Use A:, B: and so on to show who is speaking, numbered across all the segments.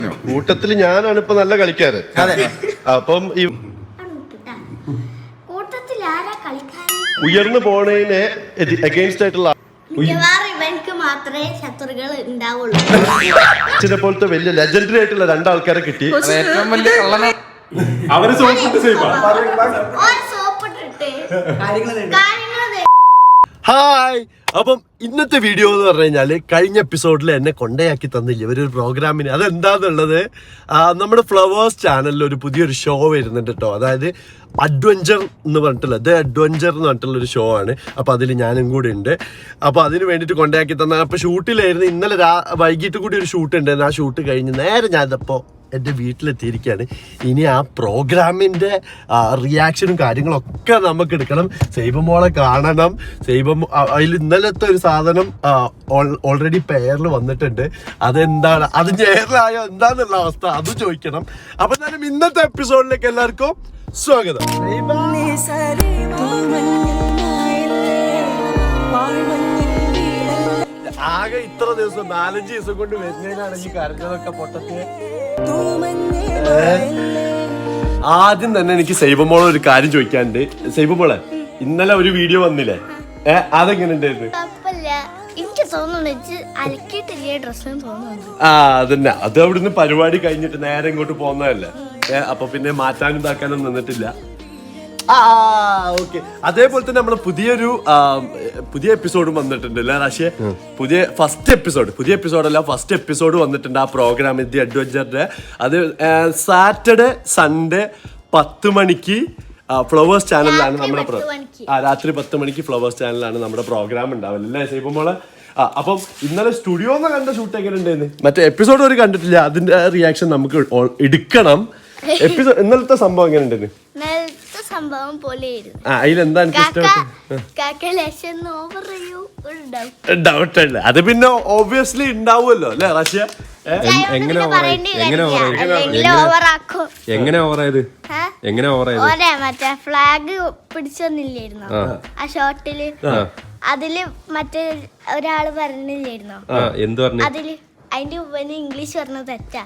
A: കൂട്ടത്തിൽ ഞാനാണ് ഇപ്പൊ നല്ല കളിക്കാറ്. അപ്പം ഈ ഉയർന്നു പോണതിനെ അഗെയിൻസ്റ്റ് ആയിട്ടുള്ള ചില പോലത്തെ വലിയ ലെജൻഡറി ആയിട്ടുള്ള രണ്ടാൾക്കാരെ കിട്ടി. അവര് ഹായ്. അപ്പം ഇന്നത്തെ വീഡിയോ എന്ന് പറഞ്ഞു കഴിഞ്ഞാല് കഴിഞ്ഞ എപ്പിസോഡിൽ എന്നെ കൊണ്ടയാക്കി തന്നില്ല ഇവരൊരു പ്രോഗ്രാമിന്. അതെന്താന്നുള്ളത് നമ്മുടെ ഫ്ലവേഴ്സ് ചാനലിൽ ഒരു പുതിയൊരു ഷോ വരുന്നുണ്ട് കേട്ടോ. അതായത് അഡ്വഞ്ചർ എന്ന് പറഞ്ഞിട്ടുള്ള അഡ്വഞ്ചർ എന്ന് പറഞ്ഞിട്ടുള്ള ഒരു ഷോ ആണ്. അപ്പൊ അതിൽ ഞാനും കൂടി ഉണ്ട്. അപ്പൊ അതിന് വേണ്ടിട്ട് കൊണ്ടയാക്കി തന്ന. അപ്പൊ ഷൂട്ടിലായിരുന്നു. ഇന്നലെ വൈകിട്ട് കൂടി ഒരു ഷൂട്ട് ഉണ്ടായിരുന്നു. ആ ഷൂട്ട് കഴിഞ്ഞ് നേരെ ഞാനിപ്പോ എൻ്റെ വീട്ടിലെത്തിയിരിക്കുകയാണ്. ഇനി ആ പ്രോഗ്രാമിൻ്റെ റിയാക്ഷനും കാര്യങ്ങളൊക്കെ നമുക്ക് എടുക്കണം. സൈബമോളെ കാണണം. അതിൽ ഇന്നലത്തെ ഒരു സാധനം ഓൾറെഡി പെയറിൽ വന്നിട്ടുണ്ട്. അതെന്താണ്, അത് നേരിലായോ എന്താന്നുള്ള അവസ്ഥ അത് ചോദിക്കണം. അപ്പൊ എന്തായാലും ഇന്നത്തെ എപ്പിസോഡിലേക്ക് എല്ലാവർക്കും സ്വാഗതം. ആകെ ഇത്ര ദിവസം 4-5 ദിവസം കൊണ്ട് വരുന്നതിനാണ് ഈ കരഞ്ഞതൊക്കെ പൊട്ടത്തിയ. ആദ്യം തന്നെ എനിക്ക് സൈബമോളെ ഒരു കാര്യം ചോദിക്കാനുണ്ട്. സൈബമോളെ, ഇന്നലെ ഒരു വീഡിയോ വന്നില്ലേ, അതെങ്ങനെ ഉണ്ടായിരുന്നു? അതന്നെ, അത് അവിടുന്ന് പരിപാടി കഴിഞ്ഞിട്ട് നേരെ ഇങ്ങോട്ട് പോകുന്നതല്ലേ. അപ്പൊ പിന്നെ മാറ്റാനും ഇതാക്കാനും നിന്നിട്ടില്ല. ഓക്കെ. അതേപോലെ തന്നെ നമ്മള് പുതിയ എപ്പിസോഡും വന്നിട്ടുണ്ട് അല്ലേ റാഷിയെ? ഫസ്റ്റ് എപ്പിസോഡ് വന്നിട്ടുണ്ട് ആ പ്രോഗ്രാം ദി അഡ്വഞ്ചറിന്റെ. അത് സാറ്റർഡേ സൺഡേ 10 മണിക്ക് ഫ്ലവേഴ്സ് ചാനലിലാണ് നമ്മുടെ രാത്രി 10 മണിക്ക് ഫ്ലവേഴ്സ് ചാനലിലാണ് നമ്മുടെ പ്രോഗ്രാം ഉണ്ടാവില്ല അല്ലേ സൈബമോളെ? അപ്പം ഇന്നലെ സ്റ്റുഡിയോന്ന് കണ്ട ഷൂട്ട് എങ്ങനെ ഉണ്ടായിരുന്നു? മറ്റേ എപ്പിസോഡ് ഒരു കണ്ടിട്ടില്ല, അതിന്റെ റിയാക്ഷൻ നമുക്ക് എടുക്കണം. ഇന്നലത്തെ സംഭവം എങ്ങനെ ഉണ്ടായിരുന്നു?
B: സംഭവം
A: അതിലെന്താ ഡൗട്ട് ഉണ്ട്. അത് പിന്നെ ഓബ്വിയസ്ലി ഉണ്ടാവുമല്ലോ അല്ലെ റാഷ്യ?
C: എങ്ങനെ
B: മറ്റേ ഫ്ലാഗ് പിടിച്ചൊന്നില്ലായിരുന്നോ ആ ഷോട്ടില്? അതില് മറ്റേ ഒരാള് പറഞ്ഞില്ലായിരുന്നോ
C: എന്ത് പറഞ്ഞു?
B: അതില് അതിന്റെ ഉപ്പന് ഇംഗ്ലീഷ് പറഞ്ഞത് തെറ്റാ.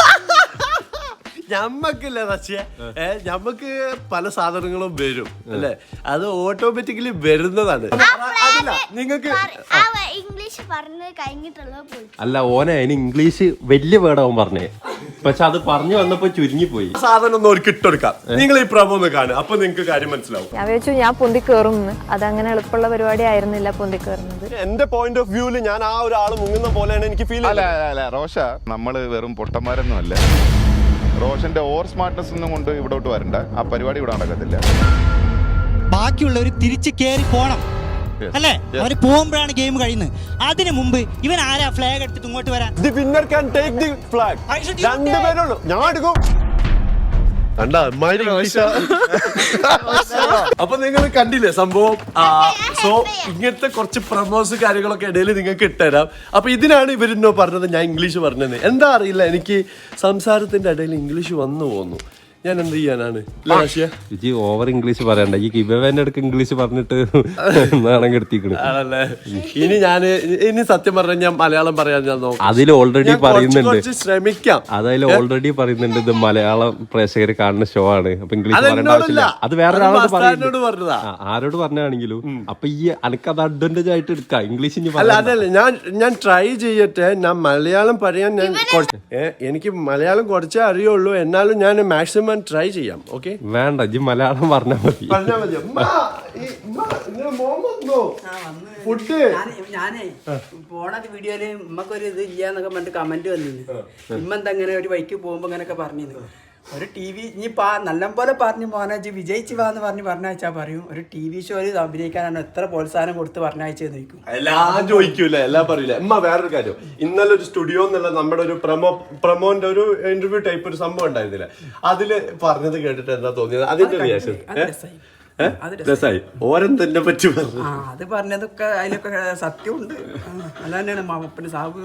A: ഞമ്മക്കില്ല റഷ്യ, ഞമ്മക്ക് പല സാധനങ്ങളും വരും അല്ലെ, അത് ഓട്ടോമാറ്റിക്കലി വരുന്നതാണ്. നിങ്ങൾക്ക്
B: ഇംഗ്ലീഷ് പറഞ്ഞത് കഴിഞ്ഞിട്ടുള്ള
C: അല്ല ഓനെ അതിന് ഇംഗ്ലീഷ് വലിയ വേർഡാവും പറഞ്ഞേ, പക്ഷെ അത് പറഞ്ഞു വന്നപ്പോ ചുരുങ്ങിപ്പോയി.
A: സാധനം ഒന്ന് ഒരു കിട്ടെടുക്കാം. നിങ്ങൾ ഈ പ്രമോ ഒന്ന് കാണുക, അപ്പൊ നിങ്ങൾക്ക് കാര്യം മനസ്സിലാവും.
D: ഞാൻ വിചാരിച്ചു ഞാൻ പൊന്തി കയറുന്നു. അതങ്ങനെ എളുപ്പമുള്ള പരിപാടി ആയിരുന്നില്ല പൊന്തി കയറുന്നത്.
A: എന്റെ പോയിന്റ് ഓഫ് വ്യൂല് ഞാൻ ആ ഒരാൾ മുങ്ങുന്ന പോലെയാണ് എനിക്ക് ഫീൽ.
E: അല്ല റോഷ, നമ്മള് വെറും പൊട്ടന്മാരൊന്നും അല്ല. റോഷന്റെ ഓവർ സ്മാർട്ട്നെസ് ഒന്നും കൊണ്ട് ഇവിടോട്ട് വരണ്ട. ആ പരിപാടി ഇവിടെ നടക്കത്തില്ല.
F: ബാക്കിയുള്ളവർ തിരിച്ച് കേറി പോണം അല്ലേ? അവര് പോകുമ്പോഴാണ് ഗെയിം കഴിയുന്നത്. അതിനു മുമ്പ് ഇവൻ ആരാ ഫ്ലാഗ് എടുത്തിട്ട് ഇങ്ങോട്ട് വരാൻ?
A: The winner can take the flag. രണ്ടുപേരുള്ളൂ, ഞാൻ എടുക്കും. അപ്പൊ നിങ്ങൾ കണ്ടില്ലേ സംഭവം? സോ ഇങ്ങനത്തെ കുറച്ച് പ്രമോസ് കാര്യങ്ങളൊക്കെ ഇടയിൽ നിങ്ങൾക്ക് ഇട്ടുതരാം. അപ്പൊ ഇതിനാണ് ഇവരെന്നോ പറഞ്ഞത് ഞാൻ ഇംഗ്ലീഷ് പറഞ്ഞത്. എന്താ അറിയില്ല, എനിക്ക് സംസാരത്തിന്റെ ഇടയിൽ ഇംഗ്ലീഷ് വന്നു പോകുന്നു. ഞാൻ എന്ത് ചെയ്യാനാണ്?
C: ഇജി ഓവർ ഇംഗ്ലീഷ് പറയണ്ട. ഈ ഗിവന്റെ അടുക്ക് ഇംഗ്ലീഷ് പറഞ്ഞിട്ട് നാണം കെടുത്തിക്കണ്.
A: ഇനി സത്യം പറഞ്ഞാൽ ഞാൻ മലയാളം പറയാൻ ഞാൻ നോക്കാം.
C: അതിൽ ഓൾറെഡി പറയുന്നുണ്ട്,
A: ശ്രമിക്കാം.
C: അതിൽ ഓൾറെഡി പറയുന്നുണ്ട് ഇത് മലയാളം പ്രേക്ഷകർ കാണുന്ന ഷോ ആണ്, അപ്പൊ ഇംഗ്ലീഷ് പറയേണ്ട ആവശ്യമില്ല. അത് വേറെ ആരോട് പറഞ്ഞാണെങ്കിലും. അപ്പൊ ഈ അനക്ക് അത് അഡ്വാൻറ്റേജ് ആയിട്ട് എടുക്കാം. ഇംഗ്ലീഷ്
A: അതല്ല, ഞാൻ ട്രൈ ചെയ്യട്ടെ. ഞാൻ മലയാളം പറയാൻ എനിക്ക് മലയാളം കുറച്ചേ അറിയുള്ളൂ. എന്നാലും ഞാൻ മാക്സിമം ട്രൈ ചെയ്യാം. ഓക്കെ,
C: വേണ്ട ഇജ്ജ് മലയാളം പറഞ്ഞാൽ മതി.
G: ഞാനേ പോണ വീഡിയോയില് ഉമ്മക്കൊരു ഇത് ഇല്ലാന്നൊക്കെ പറഞ്ഞിട്ട് കമന്റ് വന്നിരുന്നു. ഇമ്മെന്താ അങ്ങനെ ഒരു ബൈക്ക് പോകുമ്പോ അങ്ങനെയൊക്കെ പറഞ്ഞിരുന്നു. ഒരു TV ഇനി നല്ലപോലെ പറഞ്ഞു മോനാജി വിജയിച്ചു വാന്ന് പറഞ്ഞാച്ചാ പറയും. ഒരു TV ഷോയിൽ അഭിനയിക്കാനാണ് എത്ര പ്രോത്സാഹനം കൊടുത്ത് പറഞ്ഞയച്ചെന്ന് ചോദിക്കും.
A: എല്ലാം ചോദിക്കൂല, എല്ലാം പറയില്ല. വേറൊരു കാര്യം, ഇന്നലെ ഒരു സ്റ്റുഡിയോ എന്നുള്ള നമ്മുടെ ഒരു പ്രമോന്റെ ഒരു ഇന്റർവ്യൂ ടൈപ്പ് ഒരു സംഭവം ഉണ്ടായിരുന്നില്ല, അതില് പറഞ്ഞത് കേട്ടിട്ട് എന്താ തോന്നിയത്? അതിന്റെ റിയാക്ഷൻ രസായി ഓരൻ തന്നെ പറ്റി പറഞ്ഞു.
G: ആ അത് പറഞ്ഞതൊക്കെ അതിലൊക്കെ സത്യമുണ്ട്. അല്ല തന്നെയാണ് മാമപ്പന് സാബ്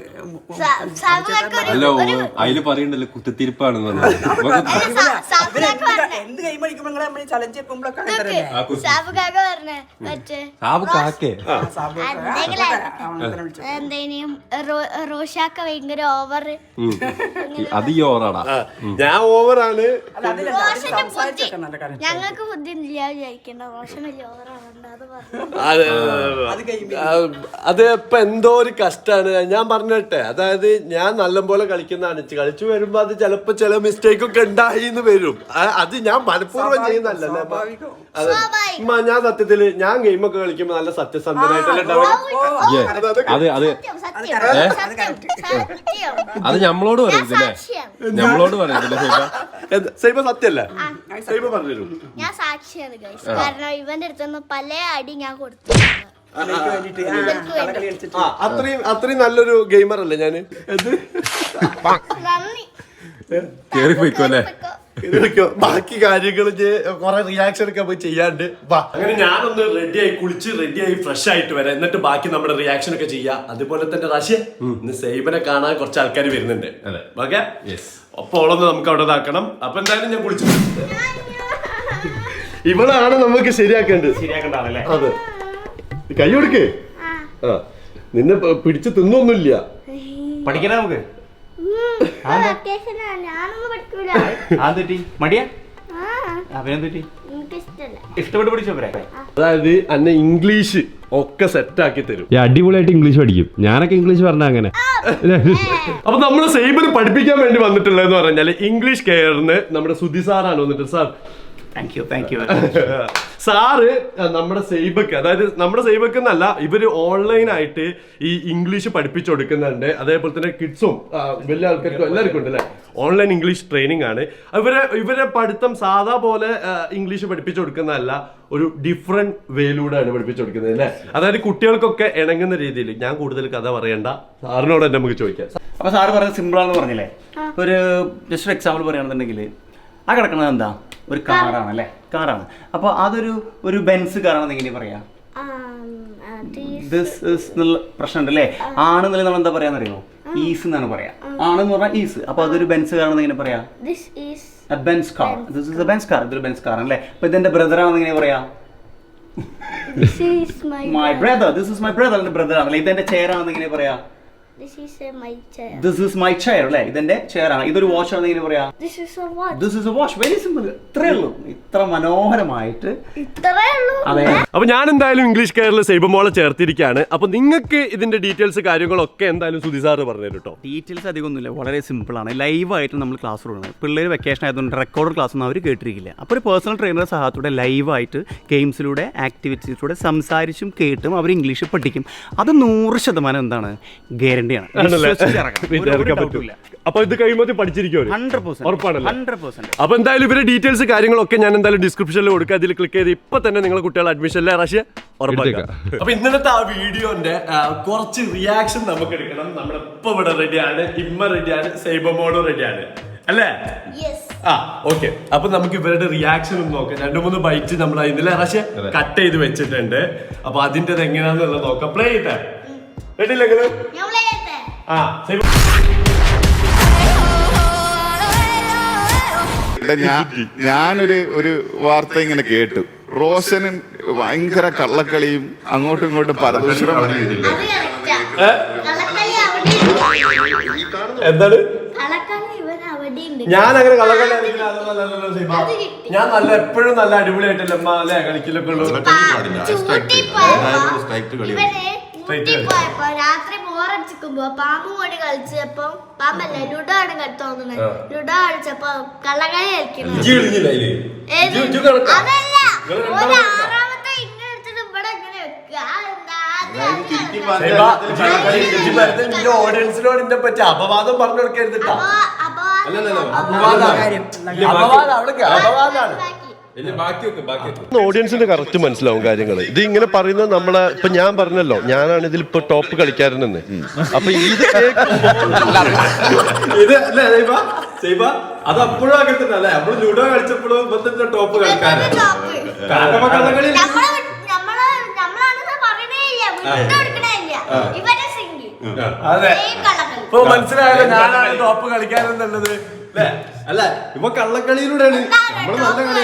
C: അല്ല അതില് പറയണ്ടല്ലോ കുത്തിത്തിരിപ്പാണെന്ന്
G: എന്ത് കൈ മണിക്കുമ്പോ നമ്മൾ ചലഞ്ച് വെക്കുമ്പോഴൊക്കെ അങ്ങനെ തന്നെയല്ലേ?
B: സാബുകാക്ക പറഞ്ഞേ മറ്റേ
C: സാബ് കാക്കേ
G: സാബ്
B: എന്തേനും റോഷാക്ക ഭയങ്കര ഓവർ.
C: അത് ഈ ഓറാടാ.
A: ഞാൻ ഓവറാണ്.
G: അല്ല അതിലല്ല അതിൽ സംസാരിച്ചൊക്കെ നല്ല കാര്യം.
B: ഞങ്ങൾക്ക് ബുദ്ധി ഇല്ല വിചാരിക്കണ്ട, റോഷൻ വലിയ ഓവറാവണ്ട അത് പറഞ്ഞു.
G: അത് കഴിയുമ്പോ
A: അത് ഇപ്പൊ എന്തോ ഒരു കഷ്ടാണ്. ഞാൻ പറഞ്ഞിട്ടെ, അതായത് ഞാൻ നല്ലപോലെ കളിക്കുന്നതാണ്. കളിച്ചു വരുമ്പോ അത് ചിലപ്പോ ചില മിസ്റ്റേക്ക് ഒക്കെ ഉണ്ടായി എന്ന് വരും. അത് ഞാൻ മനഃപൂർവ്വം ചെയ്യുന്നല്ലേ. അതെ ഞാൻ സത്യത്തില് ഞാൻ ഗെയിമൊക്കെ കളിക്കുമ്പോ നല്ല സത്യസന്ധനായിട്ടല്ലേ ഉണ്ടാവുക.
C: അത് അത് അത് ഞമ്മളോട് പറയത്തില്ലേ, ഞമ്മളോട് പറയത്തില്ലേ
A: സൈബ സത്യല്ല. സൈബ പറഞ്ഞു
B: ഞാൻ സാക്ഷിയാണ് ഗൈസ്, കാരണം ഇവന്റെ അടുത്തൊന്നും പല അടി ഞാൻ കൊടുത്തു.
G: വേണ്ടിട്ട് കളകളി കളിച്ചിട്ട്
A: അത്രയും നല്ലൊരു ഗെയിമർ അല്ലേ ഞാന്.
B: നന്ദി.
C: കേറി പോയിക്കോ അല്ലേ.
A: ബാക്കി കാര്യങ്ങൾ കുറെ റിയാക്ഷൻ ഒക്കെ പോയി ചെയ്യാണ്ട് വാ. അങ്ങനെ ഞാനൊന്ന് റെഡിയായി കുളിച്ച് റെഡിയായി ഫ്രഷ് ആയിട്ട് വരാം. എന്നിട്ട് ബാക്കി നമ്മുടെ റിയാക്ഷൻ ഒക്കെ ചെയ്യാം. അതുപോലെ തന്നെ റാഷ്യ ഇന്ന് സൈബനെ കാണാൻ കുറച്ച് ആൾക്കാർ വരുന്നുണ്ട്. ഓക്കെ, അപ്പൊ ഓളൊന്ന് നമുക്ക് അവിടെ ഇതാക്കണം. അപ്പൊ എന്തായാലും ഞാൻ കുളിച്ചു. ഇവളാണ് നമുക്ക് ശരിയാക്കേണ്ടത്. അതെ, കൈ കൊടുക്കേ. ആ നിന്നെ പിടിച്ച് തിന്നൊന്നുമില്ല.
H: പഠിക്കണേ നമുക്ക്.
B: ഞാനൊന്നും പഠിക്കൂല.
H: മടിയാ
B: ആ,
H: അഭിനയം തെറ്റി
B: എനിക്കിഷ്ടല്ല.
H: ഇഷ്ടപ്പെട്ട് പഠിച്ചോ.
A: അതായത് അന്നെ ഇംഗ്ലീഷ് ഒക്കെ സെറ്റ് ആക്കി തരും.
C: അടിപൊളിയായിട്ട് ഇംഗ്ലീഷ് പഠിക്കും. ഞാനൊക്കെ ഇംഗ്ലീഷ് പറഞ്ഞ അങ്ങനെ.
A: അപ്പൊ നമ്മള് സൈബിന് പഠിപ്പിക്കാൻ വേണ്ടി വന്നിട്ടുള്ളതെന്ന് പറഞ്ഞാല് ഇംഗ്ലീഷ് കെയറിന് നമ്മുടെ സുധി സാറാണ് വന്നിട്ട്. Sir
H: thank you.
A: സാറ് നമ്മുടെ സൈബക്ക്, അതായത് നമ്മുടെ സൈബക്ക് എന്നല്ല, ഇവര് ഓൺലൈൻ ആയിട്ട് ഈ ഇംഗ്ലീഷ് പഠിപ്പിച്ചു കൊടുക്കുന്നുണ്ട്. അതേപോലെ തന്നെ കിഡ്സും വലിയ ആൾക്കാർക്കും എല്ലാവർക്കും ഉണ്ട് അല്ലെ. ഓൺലൈൻ ഇംഗ്ലീഷ് ട്രെയിനിങ് ആണ്. ഇവരെ പഠിത്തം സാധാ പോലെ ഇംഗ്ലീഷ് പഠിപ്പിച്ചു കൊടുക്കുന്നതല്ല, ഒരു ഡിഫറെന്റ് വേയിലൂടെയാണ് പഠിപ്പിച്ചു കൊടുക്കുന്നത് അല്ലെ. അതായത് കുട്ടികൾക്കൊക്കെ ഇണങ്ങുന്ന രീതിയിൽ. ഞാൻ കൂടുതൽ കഥ പറയണ്ട, സാറിനോട് തന്നെ നമുക്ക് ചോദിക്കാം.
H: അപ്പൊ സാറ് പറഞ്ഞത് സിമ്പിൾ ആണെന്ന് പറഞ്ഞില്ലേ. ഒരു ജസ്റ്റ് ഒരു എക്സാമ്പിൾ പറയുകയാണെന്നുണ്ടെങ്കിൽ ആ കിടക്കുന്നത് എന്താ, ഒരു കാറാണ് അല്ലേ, കാറാണ്. അപ്പോൾ ഒരു ബെൻസ് കാറാണെന്ന് എങ്ങനെ പറയാ. ദിസ് ഇസ് എന്നുള്ള പ്രശ്നമുണ്ട് അല്ലേ. ആണെന്നുള്ള നമ്മൾ എന്താ പറയാന്നറിയോ, ഈസ് എന്നാണ് പറയാ. ആണെന്ന് പറഞ്ഞാൽ ഈസ്. അപ്പൊ അതൊരു ബെൻസ് കാറാണെന്ന് എങ്ങനെ പറയാ, Benz car. This is a Benz car. ഇതൊരു ബെൻസ് കാർ അല്ലേ. അപ്പൊ ഇതെന്റെ ബ്രദർ ആണെന്ന് എങ്ങനെ പറയാ, my brother. This is my brother. എന്റെ ബ്രദർ ആണല്ലേ. ഇതെന്റെ ചെയർ ആണെന്ന് എങ്ങനെ പറയാ, ദിസ് ഇസ് മൈ ചെയർ അല്ലേ. ഇതെന്റെ ചെയർ ആണ്. ഇതൊരു വാച്ച് ആണെന്ന് എങ്ങനെ പറയാ, this is a watch. Very simple. ഇത്രേ ഉള്ളൂ. ഇത്ര മനോഹരമായിട്ട് അതെ.
A: അപ്പൊ ഞാൻ എന്തായാലും ഇംഗ്ലീഷ് കെയറിൽ സൈബമോളെ ചേർത്തിരിക്കുകയാണ്. അപ്പൊ നിങ്ങൾക്ക് ഇതിന്റെ ഡീറ്റെയിൽസ് കാര്യങ്ങളൊക്കെ എന്തായാലും സുധി സാറ് പറഞ്ഞു തരും കേട്ടോ.
H: ഡീറ്റെയിൽസ് അധികമൊന്നുമില്ല, വളരെ സിമ്പിളാണ്. ലൈവായിട്ട് നമ്മൾ ക്ലാസ് കൊടുക്കുന്നത്. പിള്ളേർ വെക്കേഷൻ ആയതുകൊണ്ട് റെക്കോർഡ് ക്ലാസ് ഒന്നും അവർ കേട്ടിരിക്കില്ല. അപ്പോൾ ഒരു പേഴ്സണൽ ട്രെയിനറുടെ സഹായത്തോടെ ലൈവായിട്ട് ഗെയിംസിലൂടെ ആക്ടിവിറ്റീസിലൂടെ സംസാരിച്ചും കേട്ടും അവർ ഇംഗ്ലീഷ് പഠിക്കും. അത് 100% എന്താണ്, ഗ്യാരണ്ടിയാണ്.
A: അപ്പൊ ഇത് കഴിയുമ്പോൾ പഠിച്ചിരിക്കും
H: 100%.
A: അപ്പൊ എന്തായാലും ഇവരുടെ ഡീറ്റെയിൽസ് കാര്യങ്ങളൊക്കെ ഞാൻ എന്തായാലും ഡിസ്ക്രിപ്ഷനിൽ കൊടുക്കുക. അതിൽ ക്ലിക്ക് ചെയ്ത് ഇപ്പൊ തന്നെ നിങ്ങളെ കുട്ടികളെ അഡ്മിഷനിലെ റാഷ്യ ഉറപ്പാക്കാം. അപ്പൊ ഇന്നലത്തെ ആ വീഡിയോന്റെ കുറച്ച് റിയാക്ഷൻ നമുക്ക് എടുക്കണം. നമ്മുടെ ഇപ്പൊ ഇവിടെ റെഡിയാണ്, ഇമ്മ റെഡിയാണ്, സൈബമോളും റെഡിയാണ് അല്ലേ. ഓക്കെ, അപ്പൊ നമുക്ക് ഇവരുടെ റിയാക്ഷൻ ഒന്ന് നോക്കാം. 2-3 ബൈറ്റ് നമ്മൾ ഇന്നലെ റാഷ്യ കട്ട് ചെയ്ത് വെച്ചിട്ടുണ്ട്. അപ്പൊ അതിന്റെ എങ്ങനെയാണെന്നുള്ളത് നോക്കാം. പ്ലേ ചെയ്തേ റെഡിയില്ലെങ്കിൽ
E: ഞാനൊരു വാർത്ത ഇങ്ങനെ കേട്ടു. റോഷനും ഭയങ്കര കള്ളക്കളിയും അങ്ങോട്ടും ഇങ്ങോട്ടും പരദൂഷണം പറഞ്ഞില്ല.
A: എന്താണ് ഞാൻ അങ്ങനെ കള്ളക്കളി, ഞാൻ നല്ല എപ്പോഴും നല്ല അടിപൊളിയായിട്ടല്ലേ അമ്മ അല്ലെ കളിക്കലൊക്കെ ഉള്ളൂ.
B: രാത്രി ബോറടിച്ചിരിക്കുമ്പോ പാമ്പ് കൂടി കളിച്ചപ്പോ, പാമ്പല്ല ലുഡോ ആണ് തോന്നുന്നത്, ലുഡോ കളിച്ചപ്പോ കള്ളക്കളി കളിക്കണം. അതല്ല, ആറാമത്തെ ഇങ്ങനെ എടുത്തിട്ട് ഇവിടെ ഇങ്ങനെ വെക്കുക.
A: ഓഡിയൻസിനോട് ഇതിനെ പറ്റി അപവാദം പറഞ്ഞു കൊടുക്കരുതിട്ടാ. ഓഡിയൻസിന് കറക്റ്റ് മനസ്സിലാവും കാര്യങ്ങൾ. ഇത് ഇങ്ങനെ പറയുന്നത് നമ്മളെ ഇപ്പൊ ഞാൻ പറഞ്ഞല്ലോ, ഞാനാണ് ഇതിൽ ഇപ്പൊ ടോപ്പ് കളിക്കാരനെന്ന്. അപ്പൊ ഇത്
C: അത് അപ്പോഴും അങ്ങനെ തന്നെ അല്ലേ? നമ്മള് ലൂഡോ കളിച്ചപ്പോഴും ഇപ്പത്തെ ടോപ്പ് കളിക്കാനാണ്. കാരണം കള്ളകളി
A: അതെ ഇപ്പൊ മനസ്സിലായല്ലോ ഞാനാണ് ടോപ്പ് കളിക്കാനെന്നുള്ളത് അല്ലേ?
C: അല്ല ഇപ്പൊ കള്ളക്കളിയിലൂടെയാണ് നമ്മള് നല്ല കളി.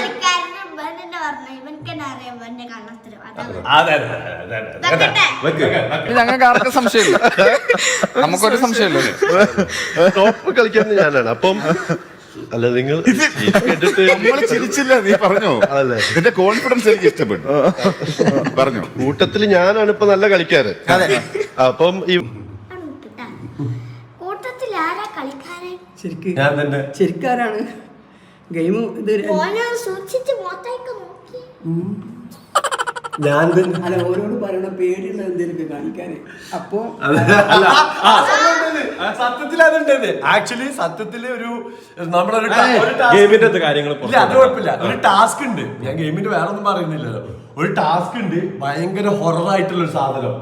A: അതെ
I: ഞങ്ങൾക്ക് ആർക്കും സംശയമില്ല, നമുക്കൊരു സംശയമില്ല.
A: ടോപ്പ് കളിക്കുന്നത് ഞാനാണ്. അപ്പം അല്ല നിങ്ങൾ കേട്ടിട്ട്
E: നമ്മള് ചിരിച്ചില്ല, നീ പറഞ്ഞോ.
A: അതല്ലേ
E: ഇതിന്റെ കോൺഫിഡൻസ് എനിക്ക് ഇഷ്ടപ്പെട്ടു. പറഞ്ഞു
A: കൂട്ടത്തില് ഞാനാണ് ഇപ്പൊ നല്ല കളിക്കാറ്. അപ്പം ഈ
B: കൂട്ടത്തിൽ ആരാ കളിക്കാരൻ?
A: ഞാൻ തന്നെ
G: ശരിക്കാരാണ് ഗെയിം ഇത്
B: സൂക്ഷിച്ച് മോത്തേക്ക് നോക്കി.
A: ഞാൻ തന്നെ
G: അല്ല ഓരോട് പറയണ പേടിയുള്ള എന്തെങ്കിലും കാണിക്കാന്. അപ്പൊ
A: സത്യത്തിൽ അതുണ്ട്. ആക്ച്വലി സത്യത്തില് ഒരു നമ്മളൊരു
C: ഗെയിമിന്റെ കാര്യങ്ങൾ
A: ഇല്ല അത് കുഴപ്പമില്ല. ഒരു ടാസ്ക് ഉണ്ട്. ഞാൻ ഗെയിമിന്റെ വേറെ ഒന്നും പറയുന്നില്ലല്ലോ. ഒരു ടാസ്ക് ഉണ്ട്, ഭയങ്കര ഹൊറർ ആയിട്ടുള്ള ഒരു സാധനം.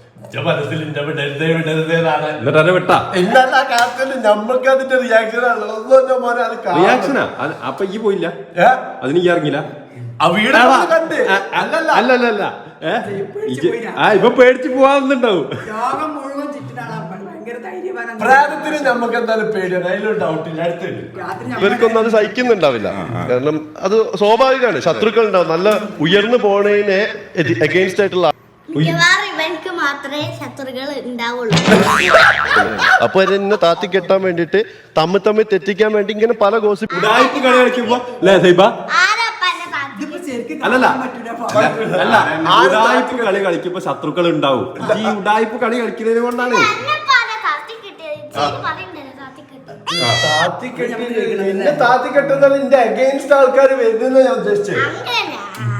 C: എന്നിട്ട് വിട്ടാ
A: എന്നല്ല കാര്യത്തില് നമ്മൾക്ക് അതിന്റെ റിയാക്ഷൻ
C: റിയാക്ഷനാ. അപ്പൊ ഈ പോയില്ല, അതിന് ഈ ഇറങ്ങില്ല.
A: ആ വീട് കണ്ട്
C: അല്ലല്ല ഇപ്പൊ പേടിച്ച് പോവാന്നുണ്ടാവും.
G: യോഗം മുഴുവൻ ചുറ്റിനാണ് ഭയങ്കര ധൈര്യവാനാണ്.
A: പ്രായത്തിന് നമുക്ക് എന്തായാലും പേടിയാണ്, അതിലൊരു ഡൗട്ടില്ല. അടുത്തുണ്ട്
G: രാത്രി
A: ഇവർക്കൊന്നും അത് സഹിക്കുന്നുണ്ടാവില്ല. കാരണം അത് സ്വാഭാവികമാണ്. ശത്രുക്കൾ ഉണ്ടാവും, നല്ല ഉയർന്നു പോണതിനെ അഗെയിൻസ്റ്റ് ആയിട്ടുള്ള.
B: മിക്കവാറും ഇവൻക്ക് മാത്രമേ ശത്രുക്കൾ ഉണ്ടാവുള്ളൂ.
A: അപ്പൊ എന്നെ താത്തി കെട്ടാൻ വേണ്ടിട്ട് തമ്മിൽ തെറ്റിക്കാൻ വേണ്ടി ഇങ്ങനെ പല ഗോസിപ്പ്
C: ഉടായിപ്പ് കളി കളിക്കുമ്പോ അല്ലേ സൈബ?
B: ആരാപ്പന്നെ താത്തി?
G: ഇതിപ്പോ ശരിക്കും
C: അല്ലല്ല.
G: കാണാൻ പറ്റൂല.
C: അല്ല, ഉടായിപ്പ് കളി കളിക്കുമ്പോ ശത്രുക്കൾ ഉണ്ടാവും. ഈ ഉടായിപ്പ് കളി കളിക്കുന്നത് കൊണ്ടാണ്.
B: എന്നെപ്പാരാ താത്തി കിട്ടിയത്? ശരി പറയണ്ടല്ലോ താത്തി കിട്ടി.
A: എന്നെ താത്തി കെട്ടുന്നത് എന്റെ അഗെയിൻസ്റ്റ് ആൾക്കാർ വരുന്ന ഞാൻ ഉദ്ദേശിച്ചത്.
B: അങ്ങനെ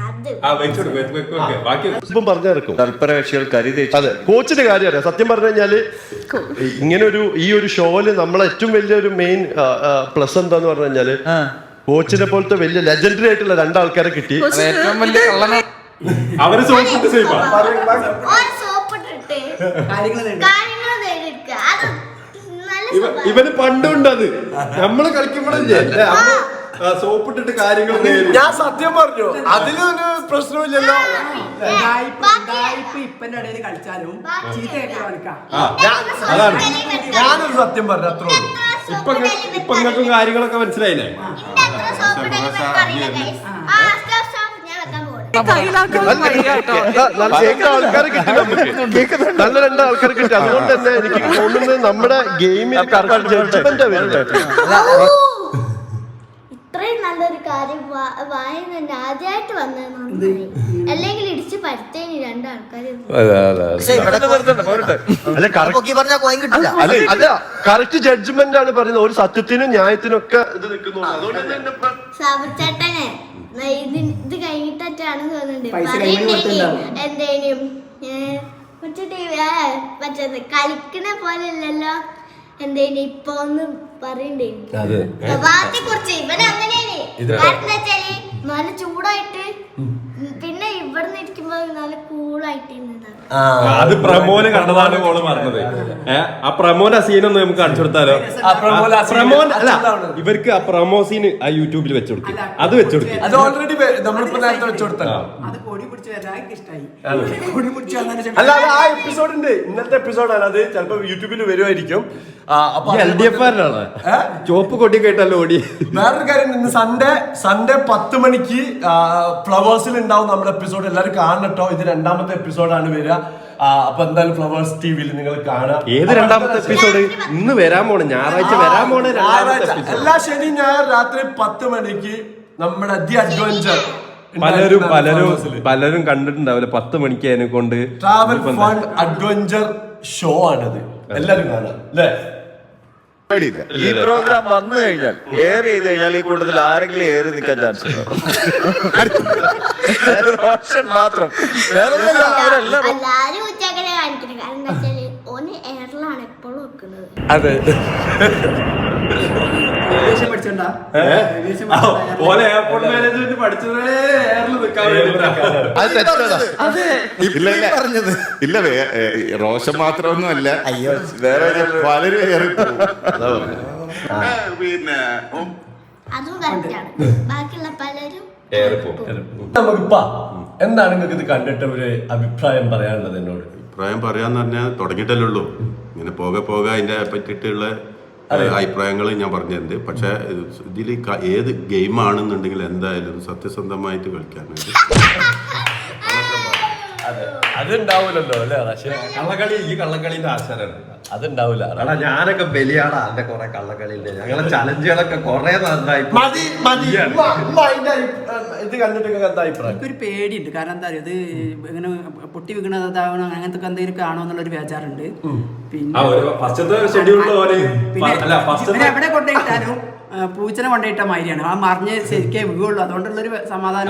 C: ബാക്കി
A: ഇപ്പം പറഞ്ഞിറക്കും
E: തൽപരകക്ഷികൾ കരുതി.
A: അതെ, കോച്ചിന്റെ കാര്യം അറിയാം. സത്യം പറഞ്ഞു കഴിഞ്ഞാല് ഇങ്ങനെ ഈ ഒരു ഷോയില് നമ്മളെ ഏറ്റവും വലിയൊരു മെയിൻ പ്ലസ് എന്താന്ന് പറഞ്ഞു കഴിഞ്ഞാല് കോച്ചിനെ പോലത്തെ വലിയ ലെജൻഡറി ആയിട്ടുള്ള രണ്ടാൾക്കാരെ കിട്ടി.
I: ഏറ്റവും വലിയ കള്ളന
C: അവര് സോപ്പിട്ട് സൈബ
B: ഓൻ സോപ്പിട്ടിട്ട്
G: കാര്യങ്ങൾ
B: കാര്യങ്ങൾ നേടിയെടുക്കുക. അത് നല്ല സ്വഭാവം.
C: ഇവന് പണ്ടുണ്ട് അത്. നമ്മള് കളിക്കുമ്പോഴല്ലേ സോപ്പിട്ടിട്ട് കാര്യങ്ങൾ
A: ഞാൻ സത്യം പറഞ്ഞു, അതിലൊരു പ്രശ്നമില്ലല്ലോ.
G: ഇപ്പന്റെ ഇടയിൽ കളിച്ചാലും ചീത്തയായിട്ട് കളിക്കാം.
C: അതാണ്
A: ഞാനൊരു സത്യം പറഞ്ഞു, അത്രേ ഉള്ളൂ.
C: ഇപ്പൊ നിങ്ങൾക്കും കാര്യങ്ങളൊക്കെ മനസ്സിലായില്ലേ?
B: ഇന്റെ അത്ര സോപ്പിട്ട് അറിയില്ല guys. stop. ഞാൻ വെക്കാൻ പോകുന്നു.
A: നല്ല കേൾക്കുന്ന ആൾക്കാരെ കിട്ടി നമുക്ക്. നല്ല രണ്ട് ആൾക്കാരെ കിട്ടി. അതുകൊണ്ട് തന്നെ എനിക്ക് തോന്നുന്നത് നമ്മുടെ ഗെയിമിൽ ജഡ്ജ്മെന്റ് വരുന്നത്.
B: ഇത്രയും നല്ലൊരു കാര്യം വായന തന്നെ ആദ്യമായിട്ട് വന്നത്. അല്ലെങ്കിൽ ഇടിച്ച് പരുത്തേനി രണ്ടാൾക്കാര്.
A: അല്ല, കറക്റ്റ് ജഡ്ജ്മെന്റ് ആണ് പറയുന്നത്. ഒരു സത്യത്തിനും ന്യായത്തിനും ഒക്കെ ഇത് നിൽക്കുന്നു. അതുകൊണ്ട്
B: സാബുച്ചേട്ടനെ ഇത് കഴിഞ്ഞിട്ടാണ് തോന്നുന്നുണ്ട്
G: പൈസ കയ്യിൽ കൊടുത്തിട്ടുണ്ടാവും.
B: എന്തേലും മറ്റേ കളിക്കണ പോലെ അല്ലല്ലോ. എന്തേലും ഇപ്പൊ ഒന്ന് പറയണ്ടേ പ്രഭാത്തെ കുറിച്ച്. ഇവൻ അങ്ങനെയാണ്. കാരണം വെച്ചാല് നല്ല ചൂടായിട്ട് പിന്നെ ഇവിടുന്ന് ഇരിക്കുമ്പോ നല്ല കൂളായിട്ട് ഇരുന്നതാണ്.
C: അത് പ്രമോന് കണ്ടതാണ് ഓള് പറഞ്ഞത്. ആ പ്രമോന്റെ സീനൊന്ന് നമുക്ക് കാണിച്ചു കൊടുത്താലോ? പ്രമോൻ അല്ല, ഇവർക്ക് ആ പ്രമോ സീന് ആ യൂട്യൂബിൽ വെച്ചുകൊടുക്കും. അത് വെച്ചുകൊടുക്കും.
A: അത് ഓൾറെഡി നമ്മളിപ്പോ നേരത്തെ വെച്ചുകൊടുത്തല്ലോ.
G: അത് പൊടി പിടിച്ച് വരാൻ ഇഷ്ടായി. പൊടി പിടിച്ച് വന്നതിന്
A: അല്ല, അത് ആ എപ്പിസോഡ് ഉണ്ട്. ഇന്നത്തെ എപ്പിസോഡാണ് അത്. ചിലപ്പോ യൂട്യൂബിൽ വരുമായിരിക്കും.
C: LDF ചോപ്പ് കൊടി കേട്ടല്ലോ ഓടി.
A: വേറൊരു കാര്യം, ഇന്ന് സൺഡേ 10 മണിക്ക് ഫ്ലവേഴ്സിൽ ഉണ്ടാവും നമ്മുടെ എപ്പിസോഡ്. എല്ലാവരും കാണട്ടോ. ഇത് രണ്ടാമത്തെ എപ്പിസോഡാണ് വരിക. അപ്പൊ എന്തായാലും ഫ്ലവേഴ്സ് ടിവിയിൽ നിങ്ങൾ കാണാം.
C: ഏത് രണ്ടാമത്തെ എപ്പിസോഡ്? ഇന്ന് വരാൻ പോണേ, ഞായറാഴ്ച വരാൻ പോണേ രണ്ടാമത്തെ എപ്പിസോഡ്.
A: എല്ലാ ശനി ഞായർ രാത്രി 10 മണിക്ക് നമ്മുടെ ദി അഡ്വഞ്ചർ.
C: പലരും കണ്ടിട്ടുണ്ടാവില്ല. 10 മണിക്ക് അതിനെ കൊണ്ട്
A: ട്രാവൽ ഫൺ അഡ്വഞ്ചർ ഷോ ആണത്. എല്ലാരും കാണാം അല്ലേ?
E: ഈ പ്രോഗ്രാം വന്നു കഴിഞ്ഞാൽ എയർ ചെയ്ത് കഴിഞ്ഞാൽ ഈ കൂട്ടത്തിൽ ആരെങ്കിലും ഏറി നിൽക്കാൻ ചാൻസ് മാത്രം.
B: എല്ലാരും ഉച്ചക്കനെ കാണിക്കുന്നത്. കാരണം എന്താ വെച്ചാല് ഓന് എയറിലാണ് എപ്പോഴും വെക്കുന്നത്.
A: അതെ,
G: പഠിച്ചോണ്ടാ
C: പോലെ എയർപോർട്ട് മാനേജ്മെന്റ് പഠിച്ചതേ എയറിൽ നിൽക്കാൻ
E: ഇല്ല, റോഷൻ മാത്രമൊന്നും അല്ല, വേറെ പലരും ഏറി പോകും. പിന്നെ
B: അതും കറക്റ്റാണ്. ബാക്കിയുള്ള പലരും
A: നമുക്കിപ്പാ എന്താണ് നിങ്ങൾക്ക് ഇത് കണ്ടിട്ട് ഒരു അഭിപ്രായം പറയാനുള്ളത് എന്നോട്?
J: അഭിപ്രായം പറയാന്ന് പറഞ്ഞാൽ തുടങ്ങിയിട്ടല്ലേ ഉള്ളൂ. ഇങ്ങനെ പോകെ പോകെ അതിന്റെ പറ്റിയിട്ടുള്ള അഭിപ്രായങ്ങൾ ഞാൻ പറഞ്ഞിട്ടുണ്ട്. പക്ഷെ ഇതിൽ ഏത് ഗെയിം ആണെന്നുണ്ടെങ്കിൽ എന്തായാലും സത്യസന്ധമായിട്ട് കളിക്കാനായിട്ട്
A: അതുണ്ടാവൂലല്ലോ അല്ലേ? പക്ഷേ
C: കള്ളക്കളി ഈ കള്ളക്കളിന്റെ ആശാനാണ്.
A: അതുണ്ടാവില്ല.
C: എടാ ഞാനൊക്കെ ബലിയാടാ എന്റെ കുറെ കള്ളക്കളിന്റെ ഞങ്ങളെ ചലഞ്ചുകളൊക്കെ കുറെ നന്നായി.
A: മതി മതി. ഇത് കണ്ടിട്ട് എന്താ അഭിപ്രായം?
G: എനിക്കൊരു പേടിയുണ്ട്. കാരണം എന്താ പറയുക, ഇത് ഇങ്ങനെ പൊട്ടി വീണതാവണം അങ്ങനത്തെ എന്തെങ്കിലും കാണോ എന്നുള്ളൊരു ബേജാറുണ്ട്. പിന്നെ പിന്നെ എവിടെ കൊണ്ടുപോയിട്ടാലും പൂച്ചനെ കൊണ്ടുപോയിട്ട മാതിരിയാണ്. ആ മറിഞ്ഞ് ശരിക്കേ വീഴുള്ളൂ. അതുകൊണ്ടുള്ളൊരു സമാധാനം.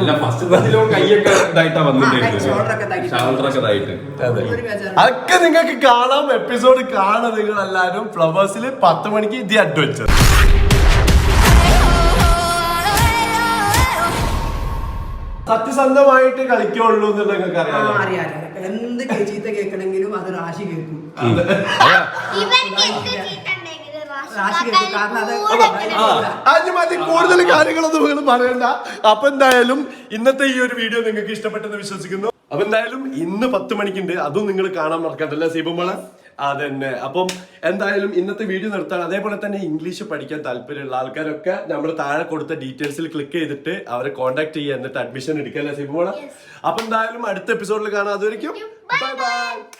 A: അതൊക്കെ നിങ്ങൾക്ക് കാണാം. എപ്പിസോഡ് കാണാം നിങ്ങൾ എല്ലാവരും. ഫ്ലവേഴ്സിൽ 10 മണിക്ക് ദി അഡ്വഞ്ചർ. സത്യസന്ധമായിട്ട് കളിക്കുള്ളൂ എന്ന് നിങ്ങൾക്ക് അറിയാം.
G: അറിയാം. എന്ത് ചീത്ത കേൾക്കണമെങ്കിലും അത് റാശി കേൾക്കും.
B: ഇവർക്ക് എന്ത് ചീത്തണ്ടെങ്കിലും
G: റാശി കേൾക്കും. കാരണം അത്
A: അതിന് മതി. കൂടുതൽ കാര്യങ്ങളൊന്നും നിങ്ങൾ പറയണ്ട. അപ്പൊ എന്തായാലും ഇന്നത്തെ ഈ ഒരു വീഡിയോ നിങ്ങൾക്ക് ഇഷ്ടപ്പെട്ടെന്ന് വിശ്വസിക്കുന്നു. അപ്പൊ എന്തായാലും ഇന്ന് 10 മണിക്കുണ്ട്. അതും നിങ്ങൾ കാണാൻ മറക്കണ്ടല്ലേ സീബുമോളെ? അതന്നെ. അപ്പം എന്തായാലും ഇന്നത്തെ വീഡിയോ നിർത്താണ്. അതേപോലെ തന്നെ ഇംഗ്ലീഷ് പഠിക്കാൻ താല്പര്യമുള്ള ആൾക്കാരൊക്കെ നമ്മൾ താഴെ കൊടുത്ത ഡീറ്റെയിൽസിൽ ക്ലിക്ക് ചെയ്തിട്ട് അവരെ കോൺടാക്ട് ചെയ്യുക, എന്നിട്ട് അഡ്മിഷൻ എടുക്കല്ലേ സീബുമോളെ? അപ്പൊ എന്തായാലും അടുത്ത എപ്പിസോഡിൽ കാണാം. അതുവരെയ്ക്കും ബൈ ബൈ.